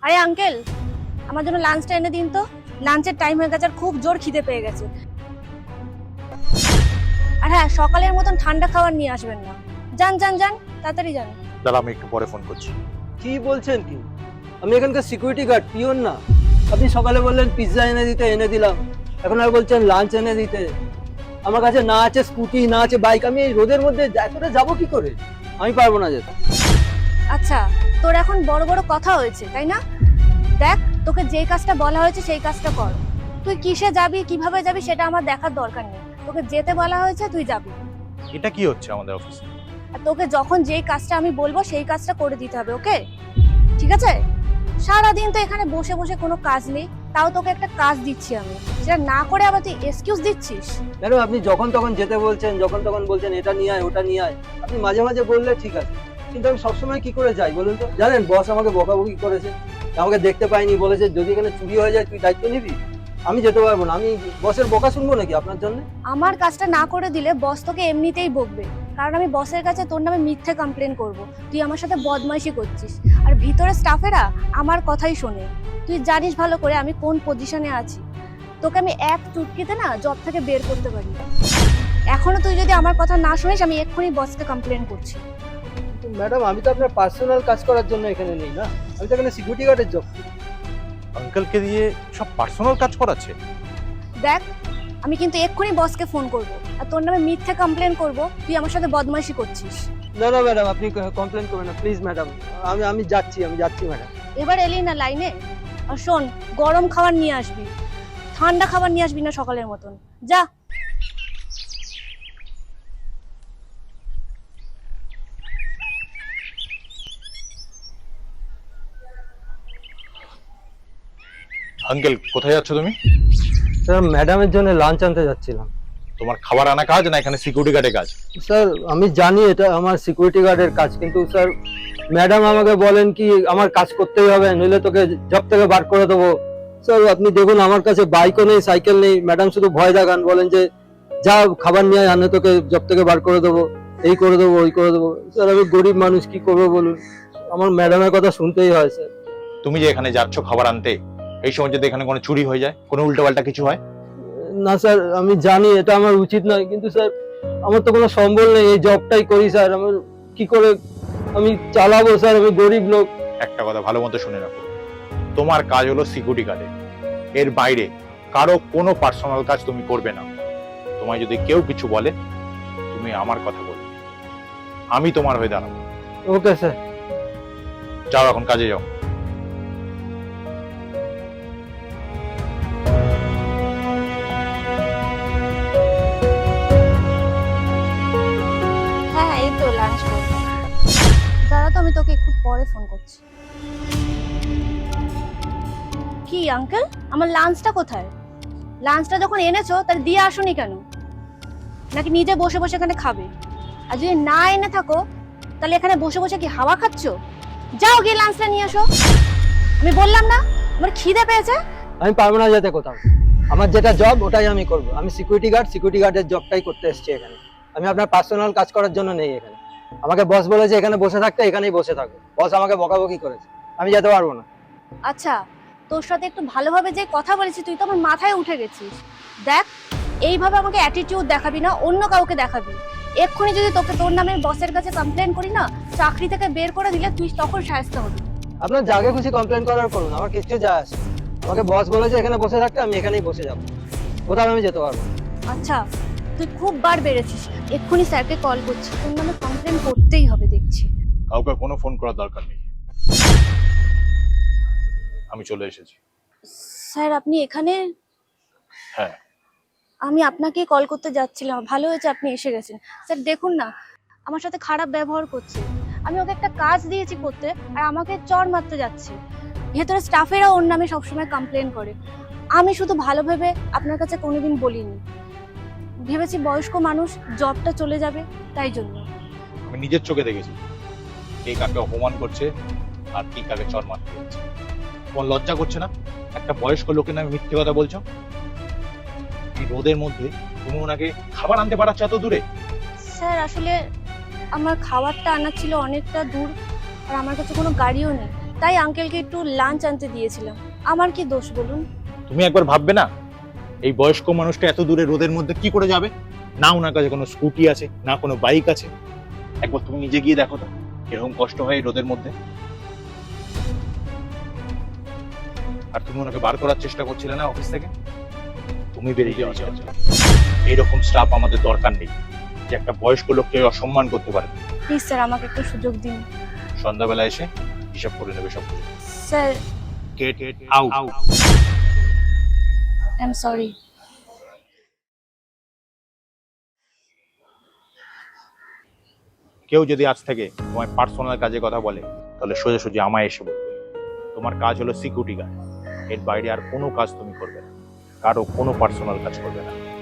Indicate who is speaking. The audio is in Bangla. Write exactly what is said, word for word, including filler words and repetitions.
Speaker 1: আরে আঙ্কেল, আমার জন্য লাঞ্চটা এনে দিন তো। লাঞ্চের টাইম হয়ে গেছে আর খুব জোর খিদে পেয়ে গেছে। আর হ্যাঁ, সকালের মতন ঠান্ডা খাবার নিয়ে আসবেন না। যান যান যান, তাড়াতাড়ি যান।
Speaker 2: দাঁড়া, আমি একটু পরে ফোন করছি।
Speaker 3: কি বলছেন কি? আমি এখানকার সিকিউরিটি গার্ড, পিওন না। আপনি সকালে বললেন পিৎজা এনে দিতে, এনে দিলাম। এখন আর বলছেন লাঞ্চ এনে দিতে। আমার কাছে না আছে স্কুটি, না আছে বাইক। আমি এই রোদের মধ্যে এতটা যাবো কি করে? আমি পারবো না যেতে।
Speaker 1: আচ্ছা, তোর এখন বড় বড় কথা হয়েছে তাই না? দেখ, তোকে যেই কাজটা বলা হয়েছে সেই কাজটা কর। তুই কিসে যাবি, কিভাবে যাবি সেটা আমার দেখার দরকার নেই। তোকে যেতে বলা হয়েছে, তুই যাবি।
Speaker 2: এটা কি হচ্ছে আমাদের অফিসে?
Speaker 1: আর তোকে যখন যেই কাজটা আমি বলবো সেই কাজটা করে দিতে হবে, ওকে? ঠিক আছে? সারাদিন তো এখানে বসে বসে কোনো কাজ নেই, তাও তোকে একটা কাজ দিচ্ছি আমি, সেটা না করে আবার তুই এক্সকিউজ দিচ্ছিস।
Speaker 3: ম্যাডাম, আপনি যখন তখন যেতে বলছেন, যখন তখন বলছেন এটা নিয়ে আয়, ওটা নিয়ে আয়। আপনি মাঝে মাঝে বললে ঠিক আছে, কিন্তু আমি সবসময় কি করে যাই বলুন তো? জানেন, বস আমাকে বকাবকি করেছে, আমাকে দেখতে পাইনি, বলেছে যদি এখানে চুরি হয়ে যায় তুই দায়িত্ব নিবি। আমি যেতে পারবো না। আমি বসের বকা শুনবো নাকি আপনার জন্য?
Speaker 1: আমার কাজটা না করে দিলে বস তোকে এমনিতেই বকবে, কারণ আমি বসের কাছে তোর নামে মিথ্যে কমপ্লেন করব। তুই আমার সাথে বদমাইশি করছিস, আর ভিতরে স্টাফেরা আমার কথাই শোনে। তুই জানিস ভালো করে আমি কোন পজিশনে আছি। তোকে আমি এক চুটকিতে না জব থেকে বের করতে পারি। এখনো তুই যদি আমার কথা না শুনিস, আমি এক্ষুনি বসকে কমপ্লেন করছি।
Speaker 3: কিন্তু ম্যাডাম, আমি তো আপনার পার্সোনাল কাজ করার জন্য এখানে নেই না। আমি তো এখানে সিকিউরিটি গার্ডের জব।
Speaker 2: আঙ্কেলকে দিয়ে সব পার্সোনাল কাজ করাচ্ছে।
Speaker 1: দেখ, আমি কিন্তু এক্ষুনি বসকে ফোন করব, আর তোর নামে মিথ্যে কমপ্লেন করব তুই আমার সাথে বদমাইশি করছিস।
Speaker 3: না না ম্যাডাম, আপনি কমপ্লেন করবেন না প্লিজ ম্যাডাম। আমি আমি যাচ্ছি, আমি যাচ্ছি ম্যাডাম।
Speaker 1: এবার এলি না লাইনে। আর শোন, গরম খাবার নিয়ে আসবি, ঠান্ডা খাবার নিয়ে আসবি না সকালের মতন। যা।
Speaker 2: আঙ্কেল, কোথায় যাচ্ছ তুমি?
Speaker 3: স্যার, ম্যাডামের জন্য লাঞ্চ আনতে যাচ্ছিলাম।
Speaker 2: তোমার খাবার আনা কাজ না এখানে সিকিউরিটি গার্ডের কাজ?
Speaker 3: স্যার, আমি জানি এটা আমার সিকিউরিটি গার্ডের কাজ, কিন্তু স্যার ম্যাডাম আমাকে বলেন কি আমার কাজ করতেই হবে, নইলে তোকে জব থেকে বার করে দেবো। স্যার, আপনি দেখুন আমার কাছে বাইকও নেই, সাইকেল নেই। ম্যাডাম শুধু ভয় দেখান, বলেন যে যা খাবার নিয়ে আনে, তোকে জব থেকে বার করে দেবো, এই করে দেবো, ওই করে দেবো। স্যার, আমি গরিব মানুষ, কি করবো বলুন? আমার ম্যাডামের কথা শুনতেই হয় স্যার।
Speaker 2: তুমি যে এখানে যাচ্ছ খাবার আনতে, এই সময় যদি এখানে কোনো চুরি হয়ে যায়, কোনো উল্টোপাল্টা কিছু হয়?
Speaker 3: না স্যার, আমি জানি এটা আমার উচিত নয়, কিন্তু স্যার আমার তো কোনো সম্বল নেই, এই জবটাই করি স্যার। আমার কি করে আমি চালাবো স্যার? আমি গরিব লোক।
Speaker 2: একটা কথা ভালো মতো শুনে রাখো, তোমার কাজ হলো সিকিউরিটি গার্ডের। এর বাইরে কারো কোনো পার্সোনাল কাজ তুমি করবে না। তোমায় যদি কেউ কিছু বলে, তুমি আমার কথা বলবে, আমি তোমার হয়ে দাঁড়াবো।
Speaker 3: Okay sir.
Speaker 2: যাও, এখন কাজে যাও।
Speaker 1: হ্যাঁ, এই তো লাঞ্চ করবো। দাঁড়া তো, আমি তোকে একটু পরে ফোন করছি। কি আঙ্কেল, আমার লাঞ্চটা কোথায়? লাঞ্চটা যখন এনেছো তাহলে দিয়ে আসোনি কেন? নাকি নিজে বসে বসে এখানে খাবে? আর যদি না এনে থাকো তাহলে এখানে বসে বসে কি হাওয়া খাচ্ছো? যাও গিয়ে লাঞ্চটা নিয়ে আসো। আমি বললাম না আমার খিদে পেয়েছে।
Speaker 3: আমি পারবো না যেতে কোথাও। আমার যেটা জব ওটাই আমি করবো। আমি সিকিউরিটি গার্ড, সিকিউরিটি গার্ডের জবটাই করতে এসেছি এখানে। আমি আপনার পার্সোনাল কাজ করার জন্য নেই এখানে। আমাকে বস বলেছে এখানে বসে থাকতে, এখানেই বসে থাকো। বস আমাকে বকাবকি করেছে, আমি যেতে পারবো না।
Speaker 1: আচ্ছা, তোর সাথে একটু ভালোভাবে যে কথা বলেছি, তুই তো আমার মাথায় উঠে গেছিস। দেখ, এইভাবে আমাকে অ্যাটিটিউড দেখাবি না, অন্য কাউকে দেখাবি। এক্ষুনি যদি তোকে তোর নামে বসের কাছে কমপ্লেন করি না, চাকরি থেকে বের করে দিলে তুই তখন শায়েস্তা হবি।
Speaker 3: আপনার যাকে খুশি কমপ্লেন করার করুন, আমার কিছু যায় আসে। আমাকে বস বলেছে এখানে বসে থাকতে, আমি এখানেই বসে যাবো, কোথাও আমি যেতে পারবো না।
Speaker 1: আচ্ছা, তুই খুব বার বেড়েছিস। এক্ষুনি স্যারকে কল করছি, তোর নামে কমপ্লেন করতেই হবে দেখছি।
Speaker 2: কাউকে কোনো ফোন করার দরকার নেই, আমি চলে এসেছি।
Speaker 1: স্যার, আপনি এখানে?
Speaker 2: হ্যাঁ,
Speaker 1: আমি আপনাকে কল করতে যাচ্ছিলাম, ভালো হয়েছে আপনি এসে গেছেন। স্যার দেখুন না, আমার সাথে খারাপ ব্যবহার করছে। আমি ওকে একটা কাজ দিয়েছি করতে, আর আমাকে চড় মারতে যাচ্ছে। ভেতরে স্টাফেরা ওর নামে সবসময় কমপ্লেন করে। আমি শুধু ভালো ভেবে আপনার কাছে কোনোদিন বলিনি, ভেবেছি বয়স্ক মানুষ, জবটা চলে যাবে, তাই জন্য।
Speaker 2: আমি নিজের চোখে দেখেছি কে কাকে অপমান করছে আর কি কাকে চড় মারতে যাচ্ছে। তোমার লজ্জা করছে না? একটা বয়স্ক লোকের নামে মিথ্যে কথা বলছো। এই রোদের মধ্যে তুমি ওনাকে খাবার আনতে পারাচ্ছ এত দূরে?
Speaker 1: স্যার, আসলে আমার খাবারটা আনার ছিল অনেকটা দূর, আর আমার কাছে কোনো গাড়িও নেই, তাই আঙ্কেলকে একটু লাঞ্চ আনতে দিয়েছিলাম। আমার কি দোষ বলুন?
Speaker 2: তুমি একবার ভাববে না এই বয়স্ক মানুষটা এত দূরে রোদের মধ্যে কি করে যাবে? না ওনার কাছে কোনো স্কুটি আছে, না কোনো বাইক আছে। একবার তুমি নিজে গিয়ে দেখো তো এরকম কষ্ট হয় এই রোদের মধ্যে। আর তুমি ওনাকে বার করার চেষ্টা করছিলে না অফিস থেকে? তুমি বেরিয়ে যাওয়া চাইছো। এইরকম স্টাফ আমাদের দরকার নেই যে একটা বয়স্ক লোককে অসম্মান করতে পারে।
Speaker 1: প্লিজ স্যার, আমাকে একটু সুযোগ দিন।
Speaker 2: সন্ধ্যাবেলা এসে হিসাব করে নেবে সব কিছু।
Speaker 1: Sir,
Speaker 2: get out.
Speaker 1: I am sorry.
Speaker 2: কেউ যদি আজ থেকে তোমার পার্সোনাল কাজে কথা বলে তাহলে সোজাসুজি আমায় এসে বলবে। তোমার কাজ হলো সিকিউরিটি গার্ড, এর বাইরে আর কোনো কাজ তুমি করবে না, কারো কোনো পার্সোনাল কাজ করবে না।